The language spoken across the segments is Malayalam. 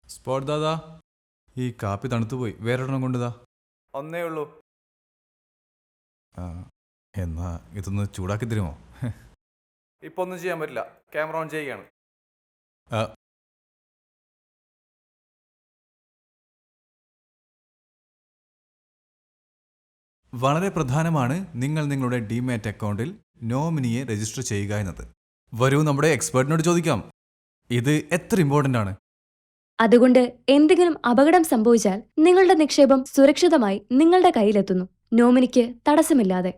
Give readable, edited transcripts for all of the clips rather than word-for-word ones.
സ്പോട്ട് ദാദാ, ഈ കാപ്പി തണുത്തുപോയി. വേറൊരെണ്ണം കൊണ്ടുതാ. ഒന്നേ ഉള്ളൂ. ആ, എന്നാ ഇതൊന്ന് ചൂടാക്കി തരുമോ? ഇപ്പൊ ഒന്നും ചെയ്യാൻ പറ്റില്ല. ക്യാമറ ഓൺ ചെയ്യുകയാണ്. ആ, വളരെ പ്രധാനമാണ് നിങ്ങൾ നിങ്ങളുടെ ഡിമാറ്റ് അക്കൗണ്ടിൽ നോമിനിയെ രജിസ്റ്റർ ചെയ്യുക എന്നത്. വരൂ, നമ്മുടെ എക്സ്പേർട്ടിനോട് ചോദിക്കാം. ഇത് എത്ര ഇമ്പോർട്ടൻ്റ് ആണ്? അതുകൊണ്ട് എന്തെങ്കിലും അപകടം സംഭവിച്ചാൽ നിങ്ങളുടെ നിക്ഷേപം സുരക്ഷിതമായി നിങ്ങളുടെ കയ്യിലെത്തുന്നു, നോമിനിക്ക് തടസ്സമില്ലാതെ.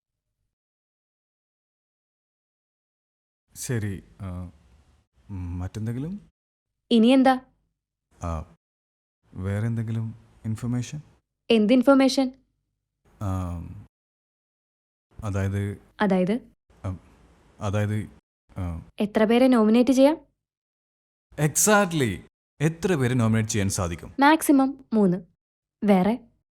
ശരി. മറ്റെന്തെങ്കിലും? ഇനിയെന്താ? ആ, വേറെ എന്തെങ്കിലും ഇൻഫർമേഷൻ? എന്ത് ഇൻഫർമേഷൻ? ആ, അതായത് അതായത് ആ, അതായത് എത്ര പേരെ നോമിനേറ്റ് ചെയ്യാം? എക്സാക്ട്ലി എത്ര പേരെ നോമിനേറ്റ് ചെയ്യാൻ സാധിക്കും? മാക്സിമം 3. വേറെ?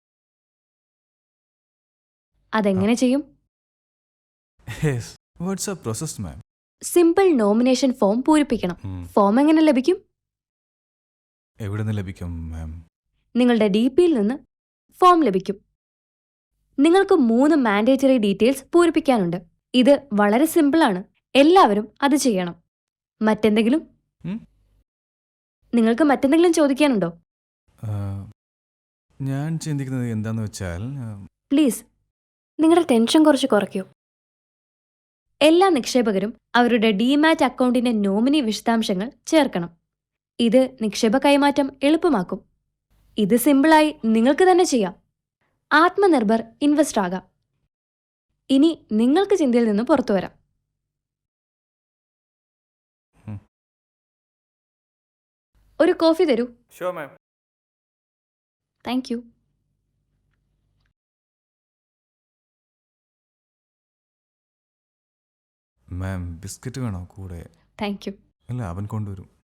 അതെങ്ങനെ ചെയ്യും? Yes, what's a process ma'am? Simple nomination form പൂരിപ്പിക്കണം. ഫോം എങ്ങനെ ലഭിക്കും? എവിടെ നിന്ന് ലഭിക്കും മാം? നിങ്ങളുടെ DPയിൽ നിന്ന് ഫോം ലഭിക്കും. നിങ്ങൾക്ക് 3 മാൻഡേറ്ററി ഡീറ്റെയിൽസ് പൂരിപ്പിക്കാനുണ്ട്. ഇത് വളരെ സിമ്പിളാണ്. എല്ലാവരും അത് ചെയ്യണം. മറ്റെന്തെങ്കിലും? ഉം? നിങ്ങൾക്ക് മറ്റെന്തെങ്കിലും ചോദിക്കാനുണ്ടോ? ആ, ഞാൻ ചിന്തിക്കുന്നത് എന്താന്ന് വെച്ചാൽ പ്ലീസ്, നിങ്ങളുടെ ടെൻഷൻ കുറച്ച് കുറയ്ക്കൂ. എല്ലാ നിക്ഷേപകരും അവരുടെ ഡിമാറ്റ് അക്കൗണ്ടിന്റെ നോമിനി വിശദാംശങ്ങൾ ചേർക്കണം. ഇത് നിക്ഷേപ കൈമാറ്റം എളുപ്പമാക്കും. ഇത് സിമ്പിളായി നിങ്ങൾക്ക് തന്നെ ചെയ്യാം. ആത്മനിർഭർ ഇൻവെസ്റ്റർ ആകാം. ഇനി നിങ്ങൾക്ക് ചിന്തയിൽ നിന്ന് പുറത്തു വരാം. ഉം. ഒരു കോഫി തരൂ. Sure ma'am. Thank you. Ma'am, biscuit വേണോ കൂടെ? Thank you. അല്ല, അവൻ കൊണ്ടുവരും.